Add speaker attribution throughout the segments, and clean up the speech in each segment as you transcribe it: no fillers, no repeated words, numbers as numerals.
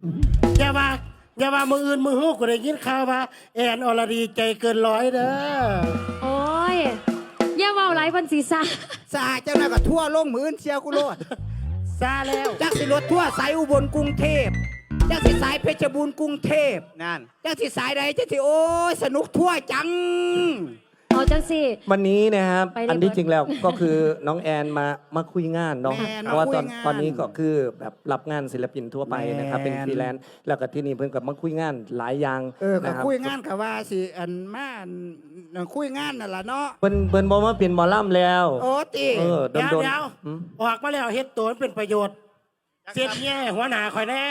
Speaker 1: อย่าว่าอย่าว่ามืออื่นมือหู้กูได้ยินข่าวว่าแอนอรดีใจเกินร้อยเด้อ
Speaker 2: โอ้ยอย่าเว้าหลายพันศีรษะ
Speaker 3: สาเจ้าหน้าก็ทั่วลงมือเชียวกูโลด
Speaker 1: ซาแล้ว
Speaker 3: จักสิรถทั่วสายอุบลกรุงเทพจักสิสายเพชรบูรณ์กรุงเทพ
Speaker 4: นั่น
Speaker 3: จักสิสายใดจักสิโอ้ยสนุกทั่วจัง
Speaker 2: เอาจังสิ
Speaker 5: วันนี้นะครับ
Speaker 2: ไปเลย
Speaker 5: อันที่จริงแล้วก็คือน้องแอนมาคุยงานเนาะ
Speaker 3: แม่น
Speaker 5: เพราะว่า
Speaker 3: มาคุยงาน
Speaker 5: ตอนนี้ก็คือแบบรับงานศิลปินทั่วไปนะครับเป็นฟรีแลนซ์แล้วก็ที่นี่เพิ่นกับมาคุยงานหลายอย่าง
Speaker 3: ก็
Speaker 5: นะครับ
Speaker 3: คุยงานกับว่าสิอันมาคุยงานนั่นล่ะเนาะ
Speaker 5: เพิ่นบอกว่าเป็นหมอลำแล้ว
Speaker 3: โอ้ติ
Speaker 5: เออ
Speaker 1: เดี๋ยว
Speaker 5: โดน
Speaker 1: เดี๋ยว
Speaker 5: ๆอืม
Speaker 1: ออกมาแล้วเฮ็ดตัวมันเป็นประโยชน์เสียดแย่หัวหน้าคอยแน่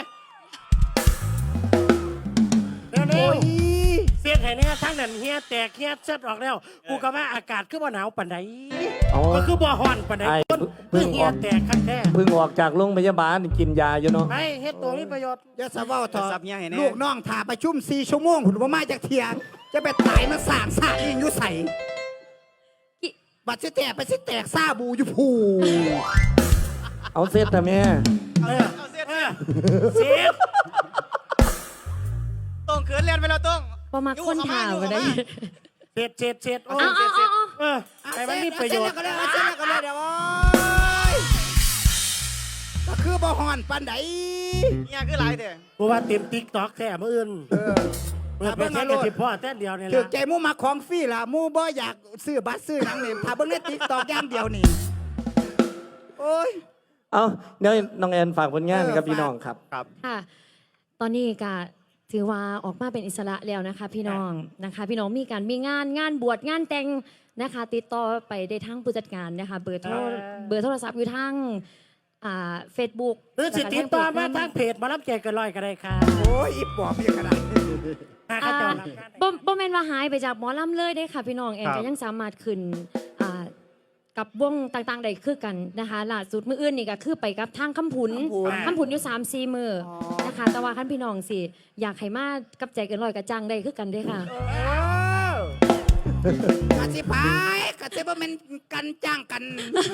Speaker 1: เร็ว
Speaker 3: โอ้ย
Speaker 1: ๆเสียดให้แน่ทั้งนั้นเฮียแตกเฮียเสร็จออกแล้วกูก็ว่าอากาศคือบ่หนาวปานใด
Speaker 5: อ๋อ
Speaker 1: ก็คือบ่ฮ้อนปานใด
Speaker 5: ไอ้
Speaker 1: ต้น
Speaker 5: เพิ่
Speaker 1: คือง เฮีย
Speaker 5: ออก
Speaker 1: แตกคันแท้
Speaker 5: เพิ่งออกจากโรงพยาบาลกินยาอยู่เนาะ
Speaker 1: ไปเฮ็ดตัวมีประโยชน์
Speaker 3: อย่าสะเว้าเถ
Speaker 4: ซั
Speaker 3: อะ
Speaker 4: บเงี้ยให้แน่
Speaker 3: ลูกน้องถ่าประชุม4 ชั่วโมงหุ่นบ่มาจากเที่ยงจะไปตายมาสร้างสร้างยิงอยู่ใส่บัดสิแตกไปสิแตกซาบูอยู่ผู้
Speaker 5: เอาเสร็จแต่แม่
Speaker 1: เออเออเสียด
Speaker 4: ต้องเขินเรียนไปแล้วต้อง
Speaker 2: บ่มักคนถามบ่ได้
Speaker 1: เสร็จโอ้
Speaker 2: เอาเอาเอาเอา
Speaker 1: เออให้มันมีประโยชน์
Speaker 3: เสจแล้วก็เลยเดี๋ยวโอ้ยก็คือบ่ฮ้อนปานใด
Speaker 4: เนี่ยคือหลายแต่
Speaker 1: กูว่าเต็ม TikTok แท้มื้ออื่นเปิดเป็นแค่กระติบพ่อแต่เดียวนี่
Speaker 3: ถือ
Speaker 1: ล่ะ
Speaker 3: ใจหมู่มาของฟรีล่ะหมู่บ่อยากซื้อบัตรซื้อหนังนี่ถ้าเบิ่งใน TikTok อย่างเดียวนี่โอ้ย
Speaker 5: เอาเดี๋ยวน้องแอนฝากผลงานกับพี่น้องครับ
Speaker 4: ครับ
Speaker 2: ค่ะ ตอนนี้ก็ถือว่าออกมาเป็นอิสระแล้วนะคะ พี่น้องนะคะ พี่น้องมีงานบวชงานแต่งนะคะ ติดต่อไปได้ทั้งผู้จัดการนะคะ เบอร์โทรศัพท์อยู่ทั้งFacebook
Speaker 1: หรือสิติดต่อมาทางเพจมารับแจกกันลอยก็ได้ค่ะ
Speaker 3: โอ้ยอีปอบยังกระได
Speaker 1: ถ้าเขาเจอรับงาน
Speaker 2: บ่แม่นว่าหายไปจากหมอลำเลยได้ค่ะ พี่น้องแอนก็ยังสามารถขึ้นกับวงต่างๆได้คือกันนะคะล่าสุดมื้ออื่นนี่ก็คือไปกับทางคำผุนอยู่3-4มื้อนะคะ แต่ว่าคันพี่น้องสิอยากให้มากับใจเกันร้อยกระจังได้คือกันเด้อค่ะ
Speaker 3: กะสิพายกะสิบ่แม่นกันจ้างกัน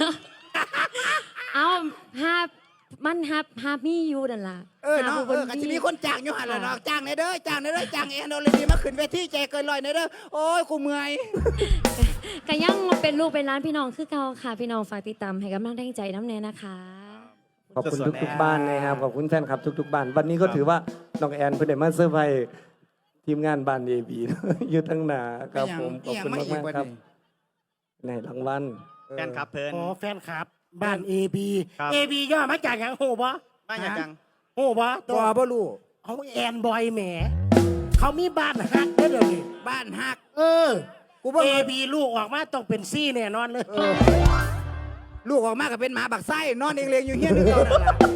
Speaker 2: เอาฮามีอยู่นั่นล่ะ
Speaker 3: เนาะกะสิมีคนจ้างอยู่หั่นล่ะเนาะจ้างในเด้อจ้างในเด้อจ้างแอนโอเลดีมาขึ้นเวทีใจเกินร้อยในเด้อโอ้ยกูเมื่อย
Speaker 2: ก็ยังเป็นลูกเป็นร้านพี่น้องคือเก่าค่ะ พี่น้องฝากติดตามให้กำลังใจน้ำแน่นะคะ
Speaker 5: ขอบคุณทุกๆบ้านนะครับขอบคุณแฟนคลับทุกๆบ้านวันนี้ก็ถือว่าน้องแอนเพิ่นได้มาเซอร์ไพรส์ทีมงานบ้าน AB อยู่ทั้งหน้าครับผมขอบคุณมากๆครับในรางวัล
Speaker 4: แฟนคลับเพลิน
Speaker 1: โอ้แฟนคลับ บ้าน AB
Speaker 4: ครับ
Speaker 1: AB ย่อมาจากอย่างโหบ่
Speaker 4: มาอย่างจัง
Speaker 1: โหบ่
Speaker 3: ตัวบ่รู้
Speaker 1: เขาแอนบอยแหมเขามีบ้านฮักเด้อเดี๋ยวนี้
Speaker 3: บ้านฮัก
Speaker 1: เออ
Speaker 3: กูบ่
Speaker 1: AB ลูกออกมาต้องเป็นซี่แน่นอนเลย
Speaker 3: ลูกออกมาก็เป็นหมาบักไส้นอนเองเลงอยู่เฮียนคือเก่านั่นล่ะ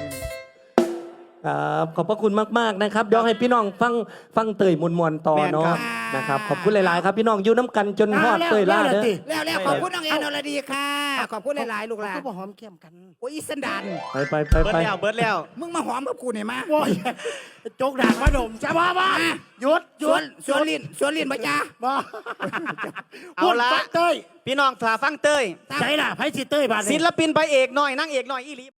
Speaker 5: ครับขอบพระคุณมากๆนะครับเดี๋ยวให้พี่น้องฟังเตยมวลๆต่อเนาะนะครับขอบคุณหลายๆครับพี่น้องอยู่น้ำกันจนฮอดเตยล่าเด้อ
Speaker 3: แล้วขอบคุณน้องแอนอรดีค่ะขอบคุณหลายๆลูกหลาน
Speaker 1: ก็บ่หอมแก้มกัน
Speaker 3: โอ้ยอีสันดาน
Speaker 5: ไป
Speaker 4: เบิร์ดแล้วเบิร์ดแล้ว
Speaker 3: มึงมาหอมกับกูหน่อยมา
Speaker 1: โอ้ยจกด่างมาดมจะบ้าบ้าหยุดห
Speaker 3: ส
Speaker 1: ยุ
Speaker 3: วน
Speaker 1: ด
Speaker 3: สวนลิ้นสวนลิ้นบ่จ้า
Speaker 1: บ้า
Speaker 4: เอาละ
Speaker 1: พูดปักเต้ย
Speaker 4: พี่น้องถ่าฟังเต้ย
Speaker 1: ใช่ล่ะไพ่สิเต้ยบาด
Speaker 4: ศิลปินไปเอกหน่อยนั่งเอกหน่อยอีหลี